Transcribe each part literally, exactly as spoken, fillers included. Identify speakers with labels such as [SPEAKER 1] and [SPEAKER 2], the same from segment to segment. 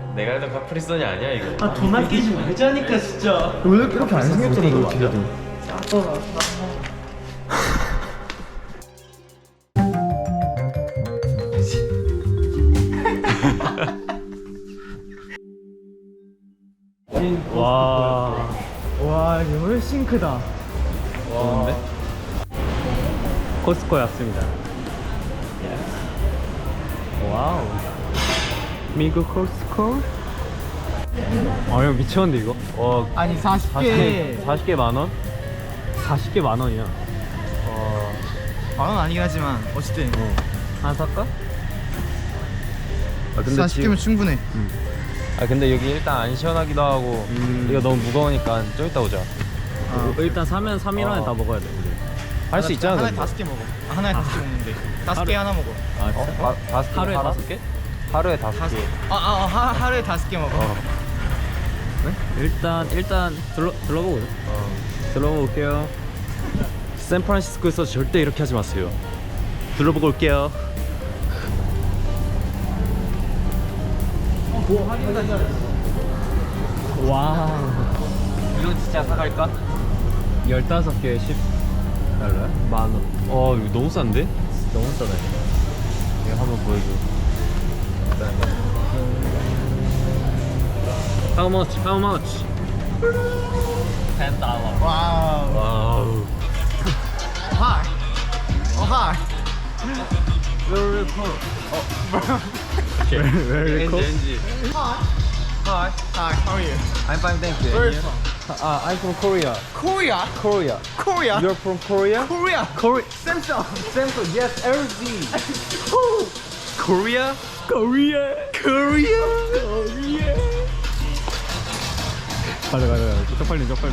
[SPEAKER 1] 내가 해도 카프리선이 아니야 이거.
[SPEAKER 2] 아 돈 아끼지 말자니까 진짜.
[SPEAKER 3] 원래 이렇게 안 생겼잖아 너 진짜.
[SPEAKER 2] 와.
[SPEAKER 3] 와 이게 훨씬 크다.
[SPEAKER 2] 좋은데? 코스코에 왔습니다. 와우. 미국 코스코? 아, 형 미쳤는데 이거? 와,
[SPEAKER 3] 아니 사십 개
[SPEAKER 2] 사십 개 만 원? 사십 개 만 원이야. 와,
[SPEAKER 3] 만원 아니긴 하지만 어쨌든
[SPEAKER 2] 어. 하나 살까? 아, 근데
[SPEAKER 3] 사십 개면
[SPEAKER 2] 지금-
[SPEAKER 3] 충분해.
[SPEAKER 1] 아 근데 여기 일단 안 시원하기도 하고
[SPEAKER 2] 음.
[SPEAKER 1] 이거 너무 무거우니까 좀 이따 오자.
[SPEAKER 3] 아,
[SPEAKER 2] 일단 사면 삼 일 안에
[SPEAKER 1] 어.
[SPEAKER 2] 다 먹어야 돼. 우리.
[SPEAKER 1] 할 수 있잖아.
[SPEAKER 3] 하나에
[SPEAKER 1] 근데.
[SPEAKER 3] 다섯 개 먹어. 아, 하나에 다섯 개 먹는데 다섯 개 하나 먹어.
[SPEAKER 2] 아,
[SPEAKER 1] 어?
[SPEAKER 2] 진짜?
[SPEAKER 1] 다, 다섯 개?
[SPEAKER 2] 하루에
[SPEAKER 1] 하나?
[SPEAKER 2] 다섯 개?
[SPEAKER 1] 하루에 다섯
[SPEAKER 3] 다섯
[SPEAKER 1] 개.
[SPEAKER 3] 아, 아, 아 하, 하루에 다섯 개 먹어.
[SPEAKER 1] 어.
[SPEAKER 2] 일단 일단 둘러 둘러보고
[SPEAKER 1] 어.
[SPEAKER 2] 둘러보고 올게요. 샌프란시스코에서 절대 이렇게 하지 마세요. 둘러보고 올게요. 와.
[SPEAKER 1] 이건 진짜 사갈까?
[SPEAKER 2] 열다섯 개에 십 달러야? 만 원.
[SPEAKER 1] 어 이거 너무 싼데?
[SPEAKER 2] 너무 싸다.
[SPEAKER 1] 이거 한번 보여줘.
[SPEAKER 2] How much? How much? ten 달러.
[SPEAKER 3] 와우.
[SPEAKER 1] 와우.
[SPEAKER 3] 하이. 어 하이.
[SPEAKER 1] Very cool.
[SPEAKER 2] Very cool.
[SPEAKER 1] 엔지.
[SPEAKER 3] Hi. Hi. How are you?
[SPEAKER 1] I'm fine, thank you.
[SPEAKER 3] Where are you from?
[SPEAKER 1] Uh, I'm from Korea.
[SPEAKER 3] Korea.
[SPEAKER 1] Korea.
[SPEAKER 3] Korea.
[SPEAKER 1] You're from Korea?
[SPEAKER 3] Korea.
[SPEAKER 2] Korea.
[SPEAKER 3] Samsung.
[SPEAKER 1] Samsung. Yes, L G.
[SPEAKER 2] Korea? Korea. Korea. Korea. 가자 가자 가자. 쪽팔린 쪽팔린.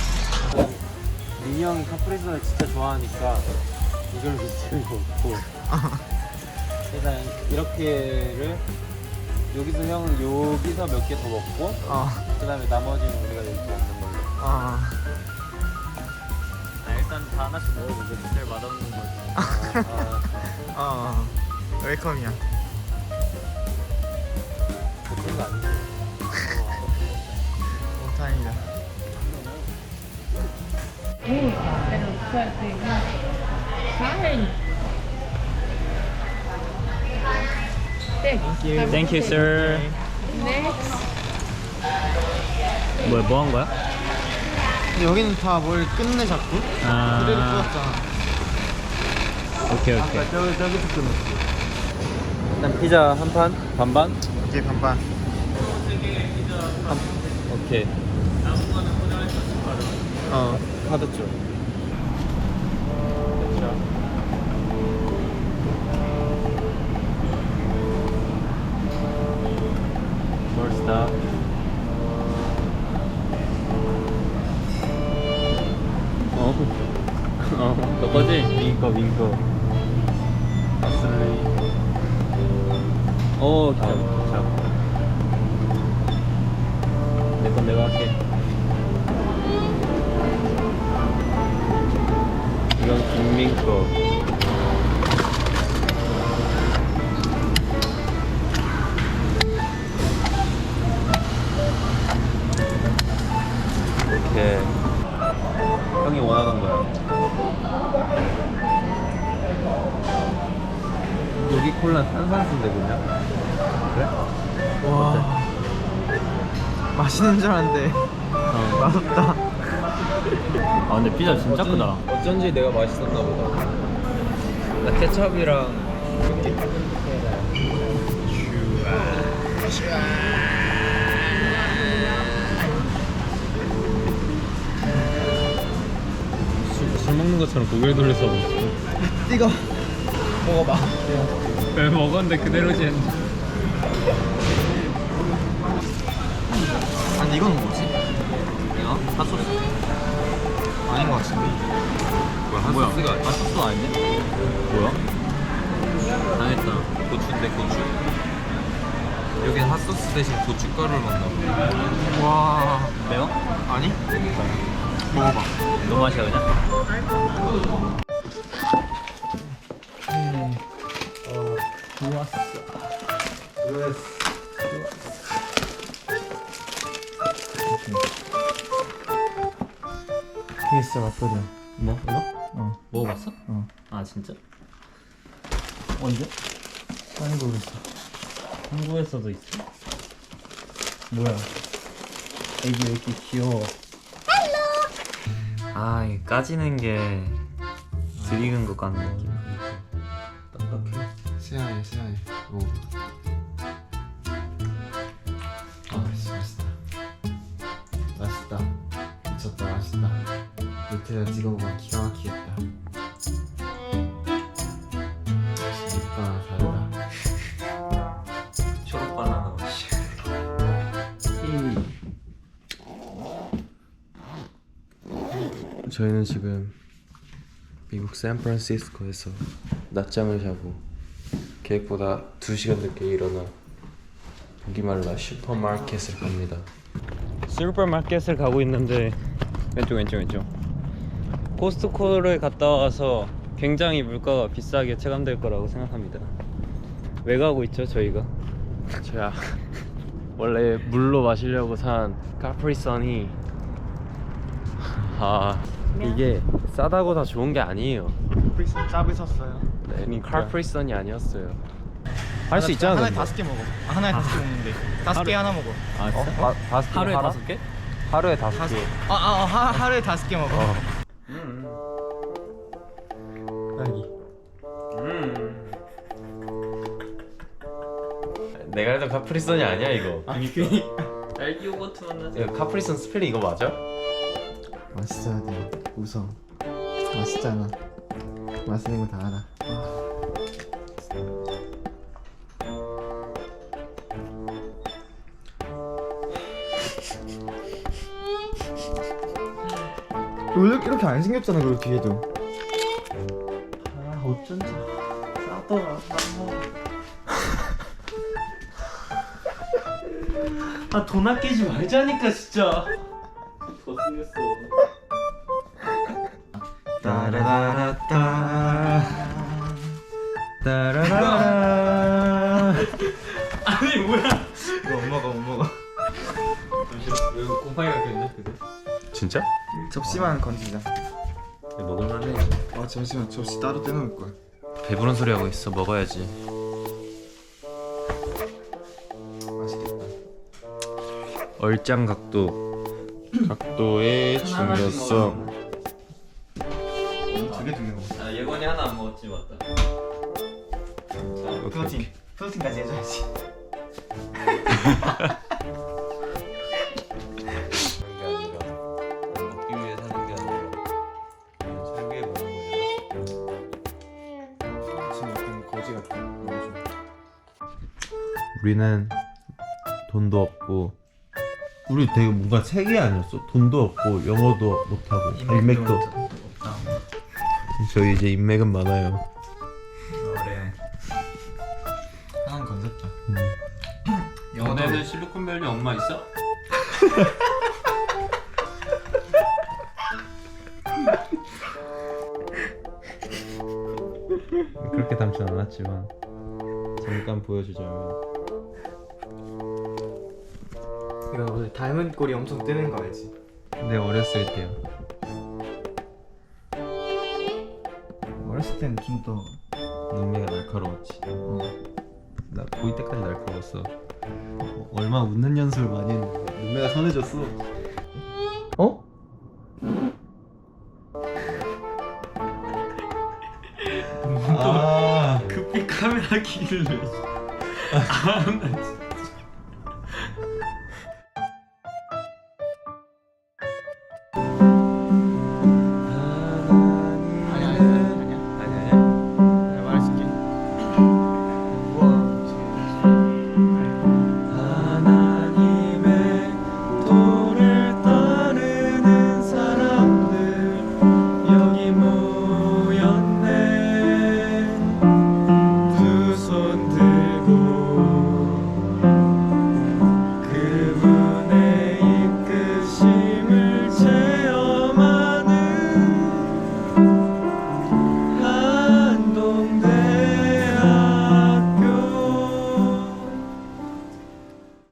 [SPEAKER 1] 민이 형이 카프리선을 진짜 좋아하니까 이걸 밑으로 먹고 일단 이렇게를 여기서 형은 여기서 몇 개 더 먹고
[SPEAKER 3] 어.
[SPEAKER 1] 그 다음에 나머지는 우리가 이렇게 먹는 걸로.
[SPEAKER 3] 어.
[SPEAKER 2] 아, 일단 다 하나씩 먹어보고 제일 맛없는 거지.
[SPEAKER 1] 아, 아,
[SPEAKER 3] 어. 웰컴이야.
[SPEAKER 1] 그런 거 아니지.
[SPEAKER 3] 오, 다행이다.
[SPEAKER 4] Thank you.
[SPEAKER 2] Thank you, sir.
[SPEAKER 4] Next.
[SPEAKER 2] 뭐야, 뭐 한 거야?
[SPEAKER 3] 근데 여기는 다 뭘 끝내 자꾸?
[SPEAKER 2] 아.
[SPEAKER 3] 그대로 끊었잖아.
[SPEAKER 2] 오케이 오케이.
[SPEAKER 3] 저기 저기서 끊었어.
[SPEAKER 1] 일단 피자 한 판 반반.
[SPEAKER 3] 이게 반반.
[SPEAKER 1] 오케이.
[SPEAKER 3] 어.
[SPEAKER 1] 카드 쪽.
[SPEAKER 2] 벌스다. 어. 어. 너 거지?
[SPEAKER 1] 민거 민거.
[SPEAKER 2] 아슬리. 오, 기차. 기차. 내건 내가 할게.
[SPEAKER 1] 이건 김민 거. 이렇게 형이 원하던 거야. 여기 콜라 탄산수인데 그냥? 그래?
[SPEAKER 3] 와. 맛있는 줄 알았는데
[SPEAKER 2] 어.
[SPEAKER 3] 맛없다.
[SPEAKER 2] 아, 근데 피자 진짜 크다.
[SPEAKER 1] 어쩐지 내가 맛있었나 보다. 나 케첩이랑
[SPEAKER 2] 술, 술 먹는 것처럼 고개를 돌려서
[SPEAKER 3] 이거 먹어봐.
[SPEAKER 2] 왜 먹었는데 그대로지 했는데.
[SPEAKER 3] 아니 이건 뭐지?
[SPEAKER 2] 이거? 핫소스.
[SPEAKER 3] 아닌 것 같은데.
[SPEAKER 1] 뭐야
[SPEAKER 2] 뭐야?
[SPEAKER 1] 핫소스가
[SPEAKER 2] 핫소스 아닌데? 뭐야? 당했다.
[SPEAKER 1] 고추인데 고추. 여기 핫소스 대신 고춧가루를 넣나 보네.
[SPEAKER 3] 와.
[SPEAKER 2] 매워?
[SPEAKER 3] 아니? 먹어봐.
[SPEAKER 2] 너무 맛이야 그냥?
[SPEAKER 3] 어, 좋았어.
[SPEAKER 1] 좋았어.
[SPEAKER 3] 이게 진짜 맛거리야.
[SPEAKER 2] 뭐 이거?
[SPEAKER 3] 어.
[SPEAKER 2] 먹어봤어?
[SPEAKER 3] 어.
[SPEAKER 2] 아 진짜?
[SPEAKER 3] 언제? 아니 모르겠어.
[SPEAKER 2] 한국에서도 있어?
[SPEAKER 3] 뭐야? 애기 왜 이렇게 귀여워?
[SPEAKER 2] 아 이게 까지는 게 드리는 것 같은 느낌.
[SPEAKER 3] 딱딱해. 세안해 세안해. 오. 아 씨, 맛있다. 맛있다. 미쳤다 맛있다. 밑에다 찍어보면 기가 막히겠다. 입가 다르다.
[SPEAKER 2] 초록 바나나 맛이.
[SPEAKER 1] 저희는 지금 미국 샌프란시스코에서 낮잠을 자고 계획보다 두 시간 늦게 일어나 보기말라 슈퍼마켓을 갑니다.
[SPEAKER 2] 슈퍼마켓을 가고 있는데 왼쪽 왼쪽 왼쪽 코스트코를 갔다 와서 굉장히 물가가 비싸게 체감될 거라고 생각합니다. 왜 가고 있죠 저희가?
[SPEAKER 1] 제가 원래 물로 마시려고 산 카프리선이 아 이게 싸다고 다 좋은 게 아니에요.
[SPEAKER 3] 프리슨 짭을 샀어요.
[SPEAKER 1] 네, 카프리선이 아니었어요. 할 수 있잖아.
[SPEAKER 3] 하나에
[SPEAKER 1] 근데.
[SPEAKER 3] 다섯 개 먹어. 아, 하나에 다섯 개 먹는데 다섯 개 하나 먹어.
[SPEAKER 2] 아
[SPEAKER 1] 어?
[SPEAKER 2] 진짜?
[SPEAKER 1] 다, 다섯 개
[SPEAKER 2] 하루에
[SPEAKER 1] 하나?
[SPEAKER 2] 다섯 개?
[SPEAKER 1] 하루에 다섯
[SPEAKER 3] 다섯
[SPEAKER 1] 개.
[SPEAKER 3] 아, 아, 아 하, 하루에 다섯 개 먹어.
[SPEAKER 1] 어.
[SPEAKER 2] 음.
[SPEAKER 3] 딸기.
[SPEAKER 2] 음.
[SPEAKER 1] 내가 해도 카프리선이 아니야 이거.
[SPEAKER 2] 아니 그 딸기 요거트 만나서
[SPEAKER 1] 이거 카프리선 스펠링 이거 맞아?
[SPEAKER 3] 맛있어야 돼. 웃어. 맛있잖아. 맛있는 거 다 알아. 원래 이렇게 안 생겼잖아 그 뒤에도.
[SPEAKER 2] 아 어쩐지 싸더라. 아 돈 아끼지 말자니까 진짜. 더 쓰겠어.
[SPEAKER 3] 따라라라따 따라라라.
[SPEAKER 2] 아니 뭐야?
[SPEAKER 3] 이거 못 먹어 못 먹어.
[SPEAKER 2] 잠시만 이거 곰팡이가 꼈네 그대.
[SPEAKER 1] 진짜?
[SPEAKER 3] 접시만 건지자.
[SPEAKER 1] 먹을만해.
[SPEAKER 3] 아 잠시만 접시 따로 떼놓을 거야.
[SPEAKER 1] 배부른 소리 하고 있어. 먹어야지.
[SPEAKER 3] 맛있겠다.
[SPEAKER 1] 얼짱 각도. 각도의 중요성.
[SPEAKER 3] 두개 두 개 먹어.
[SPEAKER 2] 아 예건이 하나 안 먹었지 맞다.
[SPEAKER 3] 프로틴 프로틴까지 해줘야지.
[SPEAKER 1] 게 아니라 먹기 위해 사는 게 아니라 그냥 살기 위해 먹는 거잖아.
[SPEAKER 3] 지금 약간 거지 같아. 너무 좋아.
[SPEAKER 4] 우리는 돈도 없고 우리 되게 뭔가 세계 아니었어? 돈도 없고 영어도 못하고 아, 인맥도
[SPEAKER 3] 없다.
[SPEAKER 4] 저희 이제 인맥은 많아요.
[SPEAKER 3] 그래. 하나는 건졌다.
[SPEAKER 2] 너네는 실리콘밸리 엄마 있어?
[SPEAKER 4] 그렇게 닮진 않았지만 잠깐 보여주자면
[SPEAKER 3] 이거 오늘 닮은 꼴이 엄청 뜨는 거 알지?
[SPEAKER 4] 내 어렸을 때요.
[SPEAKER 3] 어렸을 때는 좀 더
[SPEAKER 4] 눈매가 날카로웠지.
[SPEAKER 3] 어.
[SPEAKER 4] 나 보일 때까지 날카로웠어. 어, 얼마 웃는 연습을 많이 했는데 눈매가 선해졌어. 어? 아
[SPEAKER 2] 급히 카메라 키를 아, 나 진짜.